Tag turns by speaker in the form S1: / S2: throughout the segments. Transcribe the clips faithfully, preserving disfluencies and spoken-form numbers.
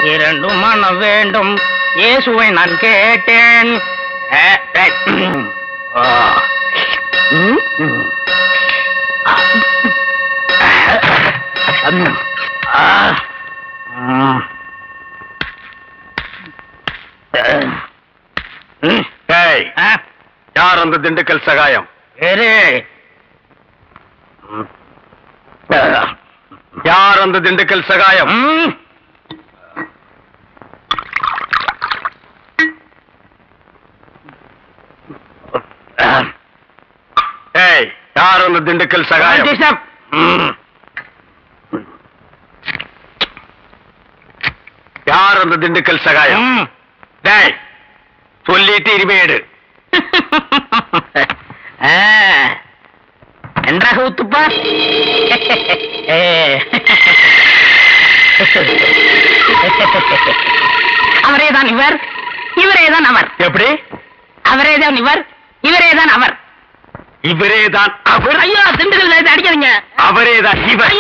S1: இரண்டு மனம் வேண்டும் இயேசுவை நான் கேட்டேன்.
S2: யார் அந்த திண்டுக்கல் சகாயம்? யார் அந்த திண்டுக்கல் சகாயம்? ஏய், யார் அந்த திண்டுக்கல் சகாயம்? யார் அந்த திண்டுக்கல் சகாயம்? டேய், சொல்லிட்டு இனிமேடு
S1: நன்றாக ஊத்துப்பா. அவரேதான் இவர், இவரேதான் அவர்.
S2: எப்படி?
S1: அவரேதான் இவர், இவரேதான் அவர்.
S2: இவரேதான் அவர்?
S1: ஐயோ, திண்டுக்கல் அடிக்காதீங்க.
S2: அவரேதான் இவர்.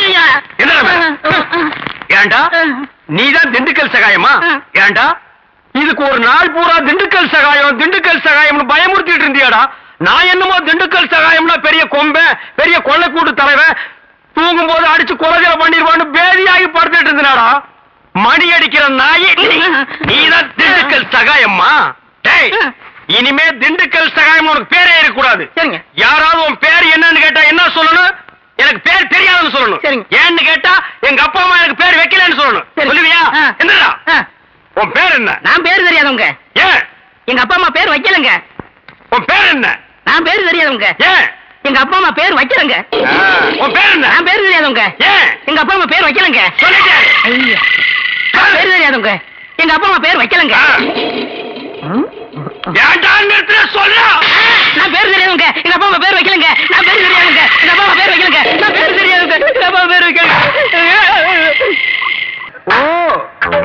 S2: ஏண்டா நீதான் திண்டுக்கல் சகாயமா? ஏண்டா இதுக்கு ஒரு நாள் பூரா திண்டுக்கல் சகாயம் திண்டுக்கல் சகாயம்னு பயமுறுத்திட்டு இருந்தியாடா. நான் என்னமோ திண்டுக்கல் சகாயம்னா பெரிய கொம்பை, பெரிய கொள்ளைக்கூட்டு தலைவன், தூங்கும் போது அடிச்சு கொலைகளை பண்ணிடுவான்னு பேதியாகி படுத்துட்டு இருந்தாடா. மணி அடிக்கிற நாய் நீதான் திண்டுக்கல் சகாயம்மா? டேய், இனிமே திண்டுக்கல் சகாயம் உனக்கு பேரே இருக்கக்கூடாது. யாராவது உன் பேர் என்னன்னு கேட்டா என்ன சொல்லணும்? எனக்கு பேர் தெரியாதுன்னு சொல்லணும். ஏன்னு கேட்டா எங்க அப்பா அம்மா எனக்கு பேர் வைக்கலன்னு சொல்லணும். சொல்லுவியா? என்னடா உன் பேர் என்ன?
S1: நான் பேர் தெரியாதவங்க.
S2: ஏன்?
S1: எங்க அப்பா அம்மா பேர் வைக்கலங்க.
S2: உன் பேர் என்ன?
S1: நான் பேர் தெரியாதவங்க.
S2: ஏன்?
S1: எங்க அப்பா அம்மா பேர் வைக்கலங்க.
S2: உன் பேர் என்ன?
S1: நான் பேர் தெரியாதவங்க.
S2: ஏன்?
S1: எங்க அப்பா அம்மா பேர் வைக்கலங்க.
S2: சொல்லிட்டே.
S1: ஐயா, பேர் தெரியாதவங்க. எங்க அப்பா அம்மா பேர் வைக்கலங்க.
S2: ஏன்டா நிறுத்துற சொல்ற?
S1: நான் பேர் தெரியாதவங்க. எங்க அப்பா அம்மா பேர் வைக்கலங்க. நான் பேர் தெரியாதவங்க. எங்க அப்பா அம்மா பேர் வைக்கலங்க. நான் பேர் தெரியாதவங்க. எங்க அப்பா அம்மா பேர் வைக்கலங்க.
S2: ஓ,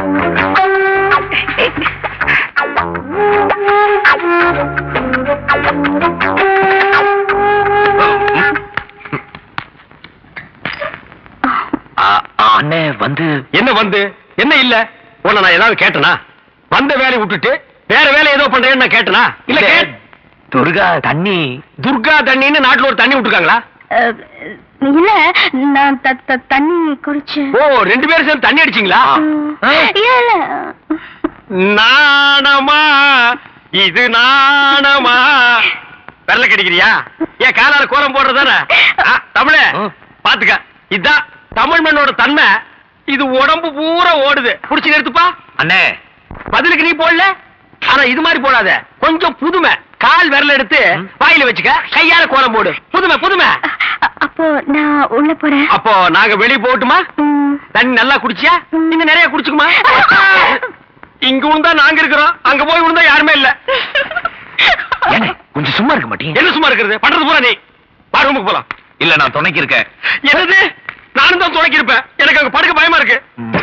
S3: அண்ணே வந்து
S2: என்ன வந்து என்ன இல்ல? உன்னை நான் ஏதாவது கேட்டனா? வந்த வேலையை விட்டுட்டு வேற வேலை ஏதோ பண்றேன்னு நான் கேட்டனா? இல்ல.
S3: துர்கா தண்ணி
S2: துர்கா தண்ணின்னு நாட்டுல ஒரு தண்ணி விட்டுருக்காங்களா?
S4: இல்ல, நான் தண்ணி குடிச்சேன்.
S2: ஓ, ரெண்டு பேரும் சேர்ந்து தண்ணி அடிச்சீங்களா?
S4: இல்ல,
S2: நாணமா இது நாணமா? வெள்ள கிடைக்கிறியா? ஏன் காலால கோலம் போடுறதானே? தமிழ பாத்துக்க, இதுதான் தமிழ் மண்ணோட தன்மை. இது உடம்பு பூரா ஓடுது. புடிச்சு நிறுத்துப்பா.
S3: அண்ணே,
S2: பதிலுக்கு நீ போடல, ஆனா இது மாதிரி போடாத. கொஞ்சம் புதுமை. கால் விரல எடுத்து வாயில வச்சுக்க, கையால கோலம் போடு. புதுமை புதுமை.
S4: அப்போ நான் உள்ள போறேன்.
S2: அப்போ நாங்க வெளியே போட்டுமா? தண்ணி நல்லா குடிச்சியா? நீங்க நிறைய குடிச்சுக்குமா? இங்க விழுந்தா நாங்க இருக்கிறோம், அங்க போய் விழுந்தா யாருமே இல்ல.
S3: கொஞ்சம் சும்மா இருக்க மாட்டீங்க?
S2: என்ன சும்மா இருக்கிறது? பண்றது பூரா நீ. வா, ரூமுக்கு போலாம்.
S3: இல்ல, நான் துணைக்கு இருக்கேன்.
S2: என்னது? நானும் தான் துணைக்கு இருப்பேன். எனக்கு அங்க படுக்க பயமா இருக்கு.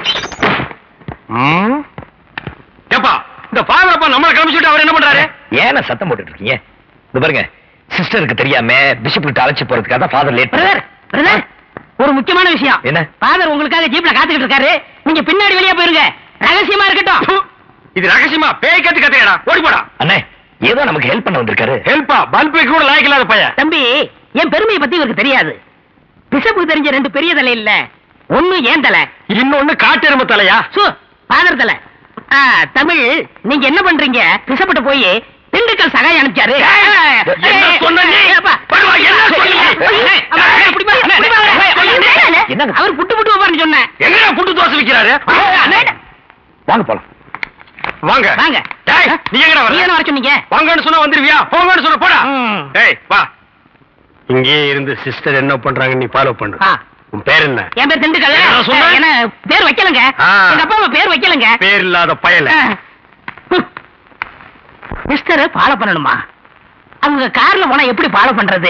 S2: ஏப்பா, இந்த பாவரப்பா நம்மளை கிளம்பிச்சுட்டு அவர் என்ன பண்றாரு?
S3: ஏன்னா சத்தம் போட்டுட்டு இருக்கீங்க? இந்த பாருங்க, சிஸ்டருக்கு தெரியாம பிஷப் கிட்ட அழைச்சு போறதுக்காக தான் ஃபாதர் லேட்.
S1: பிரதர், பிரதர், ஒரு முக்கியமான விஷயம்.
S3: என்ன?
S1: ஃபாதர் உங்களுக்காக ஜீப்ல காத்துக்கிட்டு இருக்காரு. நீங்க பின்னாடி வெளியே போயிருங்க. ரகசியமா இருக்கட்டும்.
S2: இது ரகசியமா? பேய் கத்து கத்தையடா, ஓடி போடா.
S3: அண்ணே, ஏதோ நமக்கு ஹெல்ப் பண்ண வந்திருக்காரு.
S2: ஹெல்ப்பா? பல்ப் கூட லாய்க்கு இல்லாத பையன்.
S1: தம்பி, என் பெருமையை பத்தி இவருக்கு தெரியாது. பிஷப்புக்கு தெரிஞ்ச ரெண்டு பெரிய தலை இல்ல, ஒண்ணு ஏன் தலை,
S2: இன்னொன்னு காட்டெருமை தலையா?
S1: சு ஃபாதர் தலை. தமிழ், நீங்க என்ன பண்றீங்க? பிஷப்பிட்ட போய் திண்டுக்கல் சகாயம் அனுப்பிச்சாரு.
S2: என்ன சொன்ன நீ? என்ன
S3: என்னங்க?
S1: அவர் புட்டு புட்டு வைப்பாருன்னு சொன்னேன்.
S2: எங்கடா புட்டு தோசை விக்கிறாரு?
S3: வாங்க போலாம்.
S2: வாங்க
S1: வாங்க.
S2: டேய், நீ எங்கடா வர?
S1: நீ என்ன வர சொன்னீங்க?
S2: வாங்கன்னு சொன்னா வந்துருவியா? போங்கன்னு சொன்னா போடா. டேய், வா. இங்கே இருந்து சிஸ்டர் என்ன பண்றாங்க நீ ஃபாலோ பண்ணு. உன் பேர் என்ன?
S1: என் பேர் திண்டுக்கல். என்ன பேர் வைக்கலங்க. எங்க அப்பா அம்மா பேர் வைக்கலங்க.
S2: பேர் இல்லாத பயல.
S1: மிஸ்டர் ஃபாலோ பண்ணணுமா? அவங்க கார்ல போனா எப்படி ஃபாலோ பண்றது?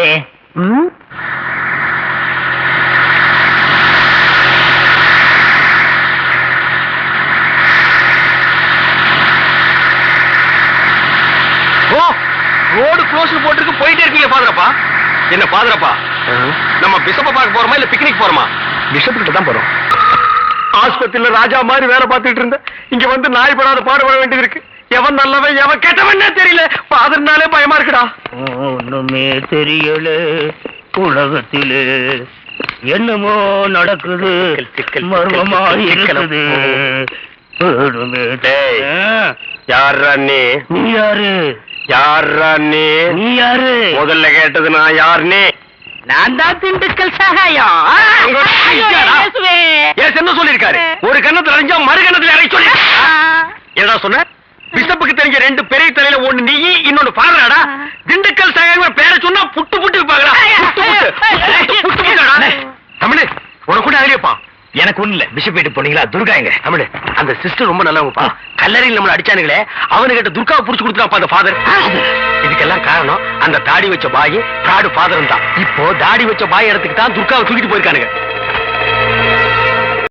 S2: ஓ, ரோடு க்ளோஸ் போட்டுருக்கு, போயிட்டே இருக்கீங்க ஃபாதரப்பா. என்ன ஃபாதரப்பா, நம்ம பிஷப்ப பார்க்க போறோமா இல்ல பிக்னிக் போறோமா?
S3: பிஷப் கிட்ட தான் போறோம்.
S2: ஆஸ்பத்திரியில ராஜா மாதிரி வேலை பார்த்துட்டு இருந்தேன். இங்க வந்து நாய் படாத பாடுபட வேண்டியது இருக்கு. எவன் நல்லவன் எவன் கெட்டவன்னே தெரியல. ஃபாதர்னாலே பயமா இருக்குடா.
S5: ஒண்ணுமே தெரியல உலகத்திலே என்னமோ நடக்குது மர்மமா இருக்குது. ஒண்ணுமே
S2: டேய்,
S5: தெரியல.
S2: யார்ரா நீ?
S5: நீ யாரு?
S2: யார்ரா நீ?
S5: நீ யாரு?
S2: முதல்ல கேட்டது நான் யார் நீ?
S1: நான் தான் திண்டுக்கல் சகாயம்.
S2: உங்க
S1: ஐயோ,
S2: ஐயாடா.
S1: இயேசுவே.
S2: ஏன் என்ன சொல்லிருக்காரு? ஒரு கண்ணத்துல அரைஞ்சா மறு கண்ணத்துல அரை சொல்லி என்னடா சொன்ன? பிஷப்புக்கு தெரிஞ்ச ரெண்டு பெரிய தலையில ஒண்ணு நீ இன்னொன்னு பாடுறாடா. திண்டுக்கல் சகாயம் பேரை சொன்னா புட்டு புட்டு வைப்பாங்களா? புட்டு புட்டு புட்டு புட்டு புட்டுடா. தமிழ் உனக்கு கூட அகலியப்பா.
S3: எனக்கு ஒண்ணு இல்ல. பிஷப் வீட்டு போனீங்களா? துர்கா எங்க?
S2: தமிழ் அந்த சிஸ்டர் ரொம்ப நல்லவங்கப்பா. கல்லறையில் நம்மள அடிச்சானுங்களே அவனுகிட்ட துர்காவை புடிச்சு கொடுத்துட்டாப்பா அந்த ஃபாதர். இதுக்கெல்லாம் காரணம் அந்த தாடி வச்ச பாய் பிராடு ஃபாதரும் தான். இப்போ தாடி வச்ச பாய் இடத்துக்கு தான் துர்காவை தூக்கிட்டு போயிருக்கானுங்க.